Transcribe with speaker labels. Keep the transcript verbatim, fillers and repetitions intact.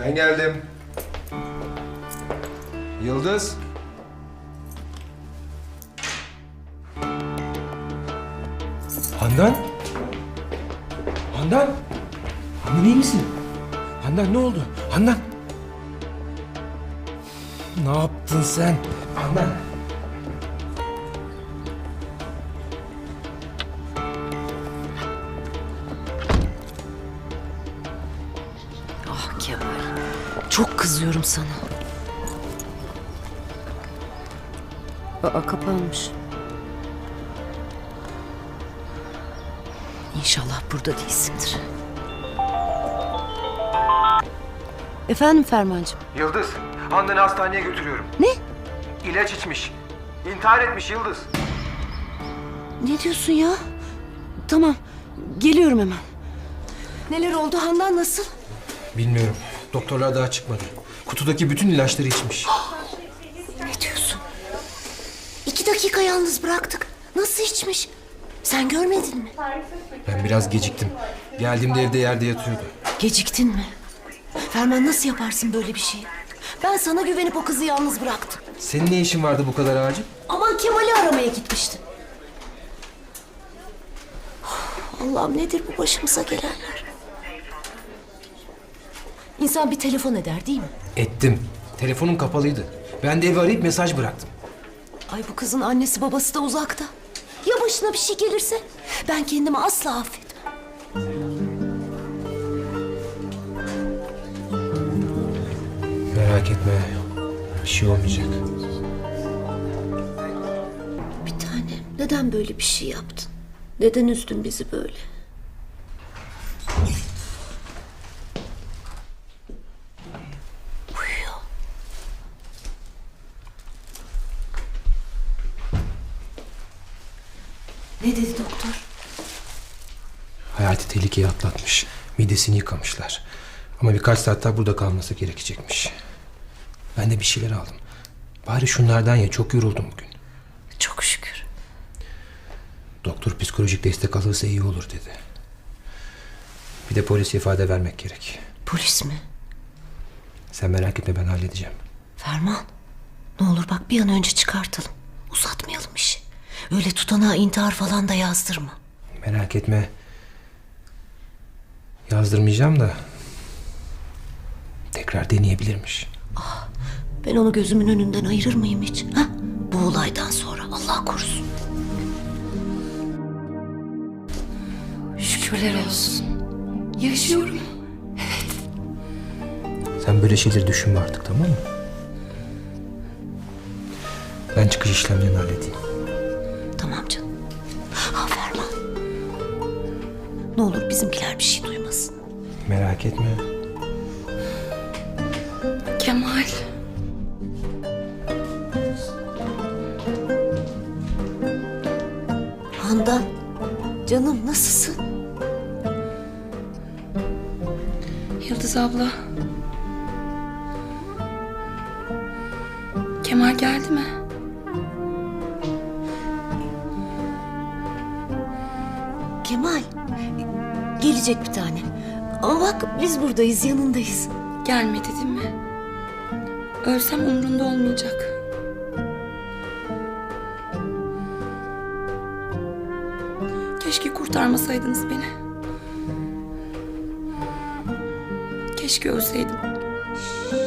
Speaker 1: Ben geldim. Yıldız. Handan? Handan? Handan iyi misin? Handan ne oldu? Handan? Ne yaptın sen? Handan?
Speaker 2: Ah Kemal, çok kızıyorum sana. Aa, kapanmış. İnşallah burada değilsindir. Efendim Fermancığım?
Speaker 1: Yıldız, Handan'ı hastaneye götürüyorum.
Speaker 2: Ne?
Speaker 1: İlaç içmiş. İntihar etmiş Yıldız.
Speaker 2: Ne diyorsun ya? Tamam, geliyorum hemen. Neler oldu? Handan nasıl?
Speaker 1: Bilmiyorum. Doktorlar daha çıkmadı. Kutudaki bütün ilaçları içmiş.
Speaker 2: Ne diyorsun? İki dakika yalnız bıraktık. Nasıl içmiş? Sen görmedin mi?
Speaker 1: Ben biraz geciktim. Geldiğimde evde yerde yatıyordu.
Speaker 2: Geciktin mi? Ferman nasıl yaparsın böyle bir şeyi? Ben sana güvenip o kızı yalnız bıraktım.
Speaker 1: Senin ne işin vardı bu kadar acil?
Speaker 2: Aman Kemal'i aramaya gitmiştim. Allah'ım nedir bu başımıza gelenler? İnsan bir telefon eder değil mi?
Speaker 1: Ettim. Telefonum kapalıydı. Ben de evi arayıp mesaj bıraktım.
Speaker 2: Ay bu kızın annesi babası da uzakta. Ya başına bir şey gelirse? Ben kendimi asla affetmem.
Speaker 1: Merak etme. Bir şey olmayacak.
Speaker 2: Bir tanem, neden böyle bir şey yaptın? Neden üzdün bizi böyle? Uyuyor. Ne dedi doktor?
Speaker 1: Hayati tehlikeyi atlatmış. Midesini yıkamışlar. Ama birkaç saat daha burada kalması gerekecekmiş. Ben de bir şeyler aldım. Bari şunlardan ye. Çok yoruldum bugün.
Speaker 2: Çok şükür.
Speaker 1: Doktor psikolojik destek alırsa iyi olur dedi. Bir de polise ifade vermek gerek.
Speaker 2: Polis mi?
Speaker 1: Sen merak etme, ben halledeceğim.
Speaker 2: Ferman, ne olur bak bir an önce çıkartalım. Uzatmayalım işi. Öyle tutanağa intihar falan da yazdırma.
Speaker 1: Merak etme. Yazdırmayacağım da tekrar deneyebilirmiş.
Speaker 2: Ben onu gözümün önünden ayırır mıyım hiç? Ha? Bu olaydan sonra Allah korusun.
Speaker 3: Şükürler olsun. Yaşıyorum.
Speaker 1: Sen böyle şeyleri düşünme artık, tamam mı? Ben çıkış işlemlerini halledeyim.
Speaker 2: Tamam canım. Ha Ferman. Ne olur bizimkiler bir şey duymasın.
Speaker 1: Merak etme.
Speaker 3: Kemal.
Speaker 2: Handan, canım nasılsın?
Speaker 3: Yıldız abla. Kemal geldi mi?
Speaker 2: Kemal, gelecek bir tane. Ama bak biz buradayız, yanındayız.
Speaker 3: Gelmedi değil mi? Ölsem umrunda olmayacak. Keşke kurtarmasaydınız beni. Keşke ölseydim.